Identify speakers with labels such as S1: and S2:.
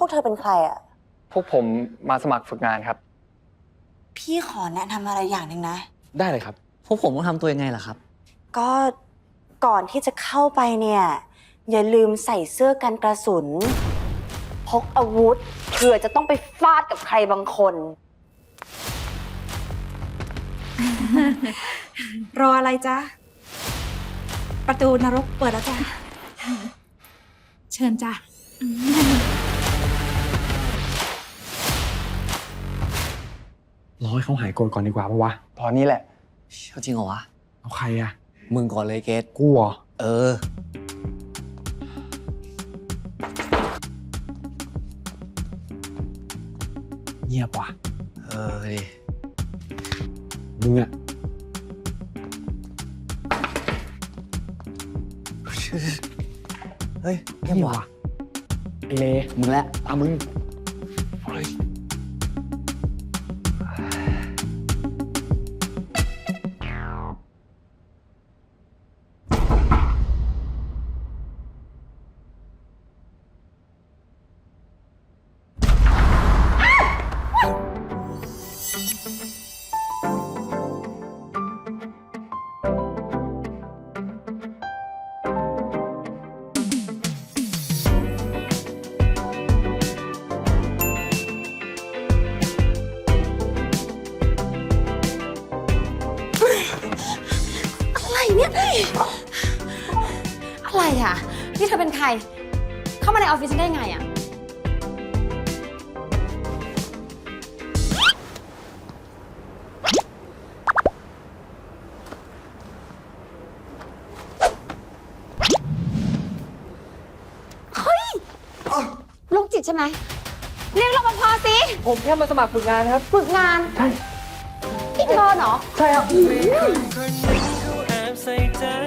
S1: วกเธอเป็นใครอ่ะ
S2: พวกผมมาสมัครฝึกงานครับ
S1: พี่ขอแนะนำอะไรอย่างหนึ่งนะ
S3: ได้เลยครับ
S4: พวกผมต้องทำตัวยังไงล่ะครับ
S1: ก็ก่อนที่จะเข้าไปเนี่ย อย่าลืมใส่เสื้อกันกระสุน พกอาวุธเผื่อจะต้องไปฟาดกับใครบางคน
S5: รออะไรจ๊ะ ประตูนรกเปิดแล้วจ้ะ เชิญจ้ะ
S3: รอให้เขาหายโกรธก่อนดีกว่าปะวะ
S2: ตอนนี้แหละ
S4: เอาจริงเหรอวะ
S3: เอาใครอะ
S4: มึงก่อนเลยเกต
S3: กูเหรอ
S4: เออ
S3: เงียบว่ะ
S4: เออดิ
S3: มึงอะ
S4: เฮ้ย
S3: เงียบว่ะไอเล
S4: มึงแหละ
S3: ตามมึงเฮ้ย
S1: อะไรเนี่ย อะไรอ่ะ นี่เธอเป็นใคร เข้ามาในออฟฟิศฉันได้ไงอ่ะ เฮ้ยโรคจิตใช่ไหม เรียกรปภสิ
S2: ผมแค่มาสมัครฝึกงานครับ
S1: ฝึกงาน
S2: ใช่
S1: พี่เธอเหรอ
S2: ใช่ครับ
S6: คนหนึ่งเขาแอบใส่ใจ